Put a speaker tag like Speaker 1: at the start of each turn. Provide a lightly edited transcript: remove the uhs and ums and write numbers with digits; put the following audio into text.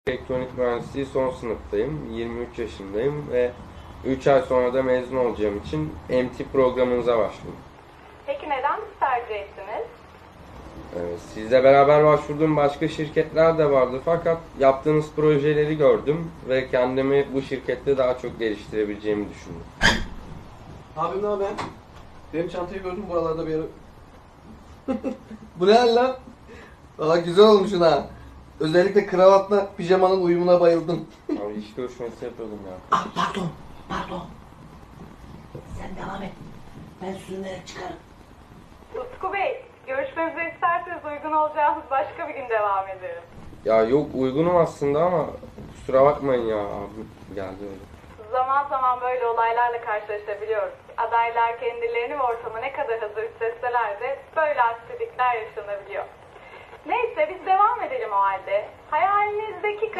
Speaker 1: Elektronik mühendisliği son sınıftayım. 23 yaşındayım ve 3 ay sonra da mezun olacağım için MT programınıza başladım.
Speaker 2: Peki neden bizi tercih ettiniz?
Speaker 1: Sizle beraber başvurduğum başka şirketler de vardı fakat yaptığınız projeleri gördüm ve kendimi bu şirkette daha çok geliştirebileceğimi düşündüm.
Speaker 3: Abim ne haber? Benim çantayı gördüm buralarda bir yere. Bu ne hal lan? Valla güzel olmuşsun ha. Özellikle kravatla pijamanın uyumuna bayıldım.
Speaker 1: Abi iş görüşmesi yapıyordum ya.
Speaker 4: Ah pardon. Sen devam et. Ben sürünerek çıkarım.
Speaker 2: Utku Bey, görüşmemizi isterseniz uygun olacağımız başka bir gün devam edelim.
Speaker 1: Ya yok uygunum aslında ama kusura bakmayın ya abim geldi öyle.
Speaker 2: Zaman zaman böyle olaylarla karşılaşabiliyoruz. Adaylar kendilerini ve ortama ne kadar hazır hissetseler de böyle aksilikler yaşanabiliyor. Neyse biz devam edelim o halde. Hayalinizdeki